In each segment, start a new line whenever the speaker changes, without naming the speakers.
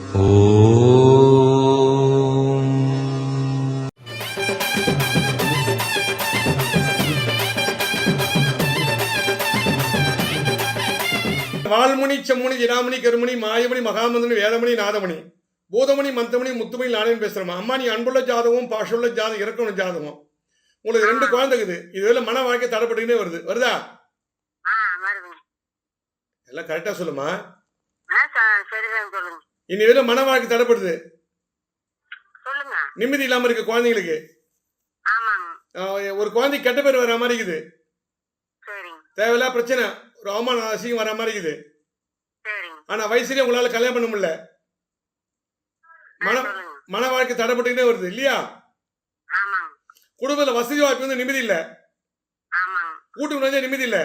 வால்முனி செம்முனி ஜினாமணி கருமணி மாயமணி மகாமந்தனி வேதமணி நாதமணி பூதமணி மந்தமணி முத்துமணி நானேன்னு பேசுகிறோமா. அம்மா நீ அன்புள்ள ஜாதகம் பாஷுள்ள ஜாதகம் இறக்கணும் ஜாதகம். உங்களுக்கு 2 குழந்தைக்குது. இதுவரை மன வாழ்க்கை தடைப்பட்டுக்கிட்டே வருதா? எல்லாம் கரெக்டா சொல்லுமா. இனி மன வாழ்க்கை தடைப்படுது, நிம்மதி இல்லாம இருக்கு குழந்தைங்களுக்கு. ஒரு குழந்தை கெட்ட பேர் வர மாதிரி இருக்குது, தேவையில்லா பிரச்சனை, ஒரு அவமான அசிங்கம் வர மாதிரி இருக்குது. ஆனா வயசுலயே உங்களால கல்யாணம் பண்ண முடியல, மன வாழ்க்கை தடைப்பட்டுக்கிட்டே வருது இல்லையா? குடும்பத்துல வசதி வாய்ப்பு வந்து நிம்மதி இல்ல, கூட்டு வந்து நிம்மதி இல்ல,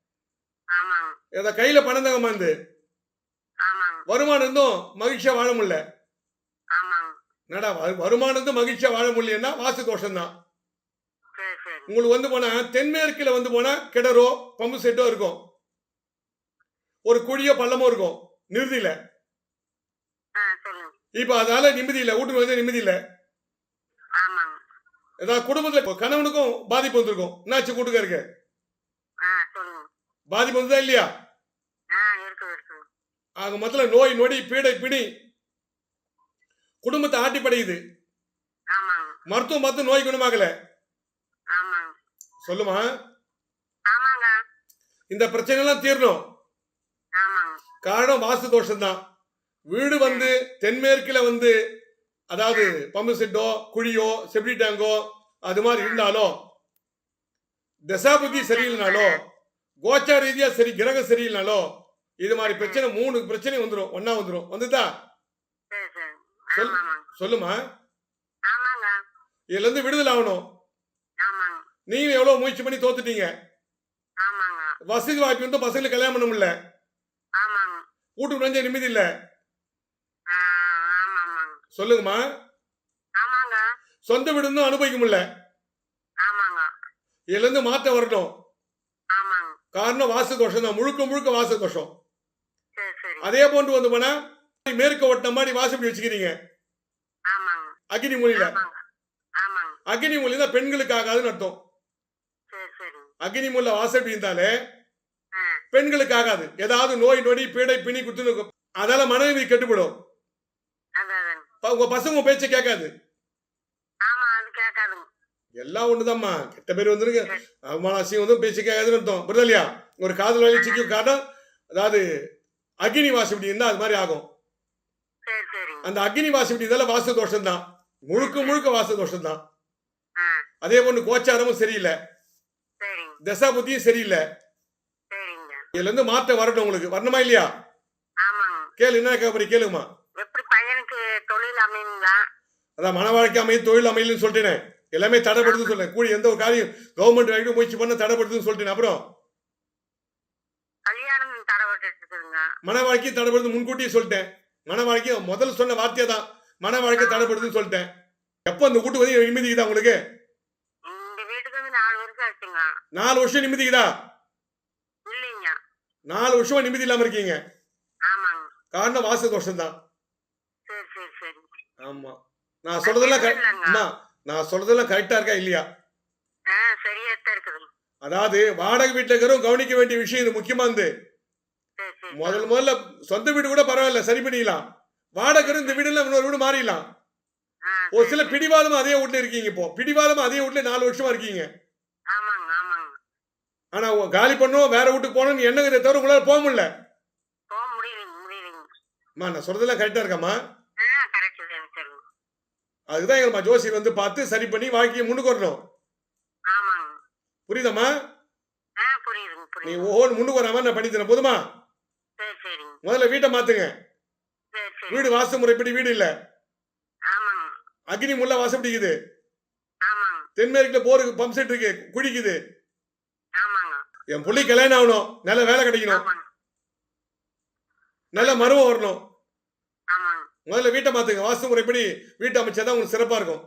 கையில பணம் தகமா இருந்து வருமானம் இருந்தும் மகிழ்ச்சியா வாழ முடியல. நடா வருமானம் இருந்தும் மகிழ்ச்சியா வாழ முடியலன்னா வாசு தோஷம் தான். உங்களுக்கு வந்து போனா தென்மேற்குல வந்து போனா கிணறோ பம்பு செட்டோ இருக்கும், ஒரு குழியோ பள்ளமோ இருக்கும், நிறுதியில. இப்ப அதனால நிம்மதி இல்ல, வீட்டுக்கு வந்து நிம்மதி இல்ல. ஏதாவது குடும்பத்துல கணவனுக்கும் பாதிப்பு வந்திருக்கும். என்னாச்சு கூட்டுக்காருக்கு பாதிப்பு வந்ததா இல்லையா? ஆக மொத்தம் நோய் நொடி பீடை பிணி குடும்பத்தை ஆட்டி படையுது. மருத்துவம் பார்த்து நோய் குணமாகல. சொல்லுமா, இந்த பிரச்சனை எல்லாம் தீரணும். காரணம் வாஸ்து தோஷம் தான். வீடு வந்து தென்மேற்குல வந்து அதாவது பம்பு செட்டோ குழியோ செப்டி டேங்கோ அது மாதிரி இருந்தாலோ, தசாபுத்தி சரியில்லைனாலோ, கோச்சா ரீதியா சரி கிரக சரியில்லைனாலோ, இது மாதிரி பிரச்சனை 3 பிரச்சனை வந்துடும், ஒன்னா வந்துடும். வந்துதா? சொல்லுமா. இதுல இருந்து விடுதலை ஆகணும். நீங்க எவ்வளவு முயற்சி பண்ணி தோத்துட்டீங்க. வசதி வாய்ப்பு வந்து பசங்களுக்கு கல்யாணம் பண்ண முடியல, கூட்டு நஞ்ச நிம்மதி இல்ல. சொல்லுங்கம்மா. சொந்த வீடு அனுபவிக்க முடியல, இதுல இருந்து மாற்றம் வரணும். காரணம் வாசு தோஷம் தான், முழுக்க முழுக்க வாசு தோஷம். அதே போன்று வந்து போனா மேற்க ஓட்ட மாதிரி வாசப்படி வச்சுக்கிறீங்க அக்னி மூலையில. அக்னி மூலை தான் பெண்களுக்கு ஆகாதுன்னு அர்த்தம். அக்னி மூல வாசப்படி இருந்தாலே பெண்களுக்கு ஆகாது. ஏதாவது நோய் நொடி பீடை பிணி குத்து, அதால மனைவி கெட்டுப்படும். உங்க பசங்க பேச்ச கேட்காது. எல்லாம் ஒண்ணுதாம்மா, கெட்ட பேர் வந்துருக்கு, அவமான அசிங்கம் வந்து பேச்சு கேட்காதுன்னு அர்த்தம். புரியுதா இல்லையா? ஒரு காதல் வழி சிக்கும் காரணம் அதாவது அக்னி வாசப்படி இருந்தா அது மாதிரி ஆகும். அந்த அக்னி வாசப்படி இருந்தால வாசு தோஷம் தான், முழுக்க முழுக்க வாசு தோஷம் தான். அதே போன்று கோச்சாரமும் சரியில்லை, தசா புத்தியும் சரியில்லை. இதுல இருந்து மாற்றம் வரணும். உங்களுக்கு வரணுமா இல்லையா? கேளு, என்ன கேட்க கேளுமா. அதான் மன வாழ்க்கை அமையும், தொழில் அமையலன்னு சொல்லிட்டேன், எல்லாமே தடைப்படுதுன்னு சொல்றேன். கூடி எந்த ஒரு காரியம் கவர்மெண்ட் வரைக்கும் முயற்சி பண்ண தடைப்படுதுன்னு சொல்லிட்டேன். அப்புறம் மன வாழ்க்கை தடைப்படுது முன்கூட்டியே சொல்லிட்டேன். மன வாழ்க்கை முதல்ல சொன்ன வார்த்தையா தான் மன வாழ்க்கை தடைப்படுதுன்னு சொல்லிட்டேன். எப்ப அந்த கூட்டு வந்து நிம்மதிக்குதா உங்களுக்கு? 4 வருஷம் நிம்மதிக்குதா? 4 வருஷமா நிம்மதி இல்லாம இருக்கீங்க. காரணம் வாசு தோஷம் தான். ஆமா, நான் சொல்றதெல்லாம் கரெக்டா இருக்கா இல்லையா? அதாவது வாடகை வீட்டுல இருக்கிறோம் கவனிக்க வேண்டிய விஷயம் இது முக்கியமா இருந்து. முதல்ல சொந்த வீடு கூட பரவாயில்ல, சரி பண்ணிக்கலாம். வாடகை இந்த வீடு இன்னொரு வீடு மாறிடலாம். ஒரு சில பிடிவாதமா அதே வீட்டுல இருக்கீங்க. இப்போ பிடிவாதமா அதே வீட்டுல 4 வருஷமா இருக்கீங்க. ஆனா காலி பண்ணுவோம் வேற வீட்டுக்கு போனோம் என்னங்கிறத தவிர உங்களால போக முடியல. நான் சொல்றதெல்லாம் கரெக்டா இருக்காமா? அதுதான் எங்க ஜோசியர் வந்து பார்த்து சரி பண்ணி வாழ்க்கையை முன்னுக்கு வரணும். புரியுதம்மா? நீ ஒவ்வொன்று முன்னுக்கு வராம நான் பண்ணி தரேன். போதுமா? முதல்ல வீட்டை மாத்துங்க. வீடு வாசு முறைப்படி வீடு இல்ல, அக்னி முள்ள வாசப்படிக்குது, தென்மேற்குல போருக்கு பம்ப் செட் இருக்கு, குடிக்குது. என் புள்ளி கல்யாணம் ஆகணும், நல்ல வேலை கிடைக்கணும், நல்ல மருமம் வரணும். முதல்ல வீட்டை மாத்துங்க. வாஸ்து முறைப்படி வீட்டை அமைச்சாதான் உங்களுக்கு சிறப்பா இருக்கும்.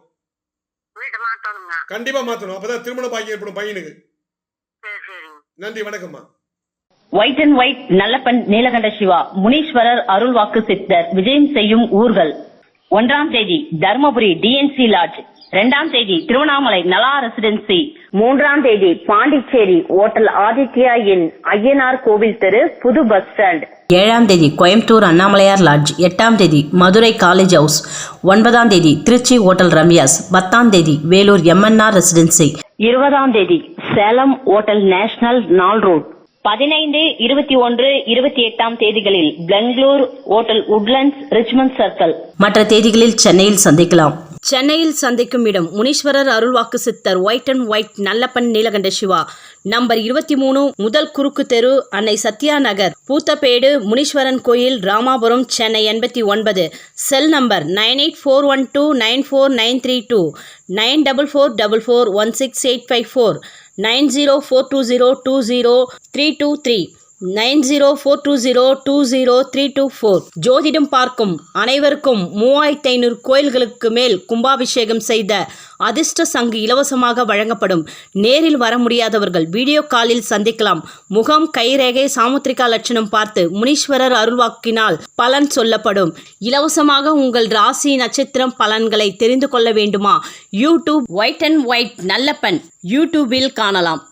கண்டிப்பா மாத்தணும், அப்பதான் திருமண பாக்கியம் ஏற்படும் பையனுக்கு. நன்றி, வணக்கம்மா.
White and white Nallappan Neelakanta Siva Muneeswarar அருள்வாக்கு சித்தர் விஜயம் செய்யும் ஊர்கள். 1ஆம் தேதி தர்மபுரி டிஎன்சி லாட்ஜ், 2ஆம் தேதி திருவண்ணாமலை நலா ரெசிடென்சி, 3ஆம் தேதி பாண்டிச்சேரி ஓட்டல் ஆதித்யா இன் ஐயனார் கோவில் தெரு புது பஸ் ஸ்டாண்ட்,
7ஆம் தேதி கோயம்புத்தூர் அண்ணாமலையார் லாட்ஜ், 8ஆம் தேதி மதுரை காலேஜ் ஹவுஸ், 9ஆம் தேதி திருச்சி ஓட்டல் ரம்யாஸ், 10ஆம் தேதி வேலூர் எம்என்ஆர் ரெசிடென்சி,
20ஆம் தேதி சேலம் ஓட்டல் நேஷனல் நாள் ரோட், 15, 21, 28ஆம் தேதிகளில் Bangalore hotel Woodlands Richmond circle.
மற்ற தேதிகளில் சென்னையில் சந்திக்கலாம். சென்னையில் சந்திக்கும் இடம் முனீஸ்வரர் அருள்வாக்கு சித்தர் white and white Nallappan Neelakanta Siva, number 23, முதல் குறுக்கு தெரு, அன்னை சத்யா நகர், பூத்தப்பேடு, முனீஸ்வரன் கோயில், ராமாபுரம், சென்னை 89. Cell number 9841294932, 9444416854, 9042020323, 9042020324. ஜோதிடம் பார்க்கும் அனைவருக்கும் 3500 கோயில்களுக்கு மேல் கும்பாபிஷேகம் செய்த அதிர்ஷ்ட சங்கு இலவசமாக வழங்கப்படும். நேரில் வர முடியாதவர்கள் வீடியோ காலில் சந்திக்கலாம். முகம், கைரேகை, சாமுத்திரிகா லட்சணம் பார்த்து முனீஸ்வரர் அருள்வாக்கினால் பலன் சொல்லப்படும். இலவசமாக உங்கள் ராசி நட்சத்திரம் பலன்களை தெரிந்து கொள்ள வேண்டுமா? YouTube white and white Nallappan யூடியூபில் காணலாம்.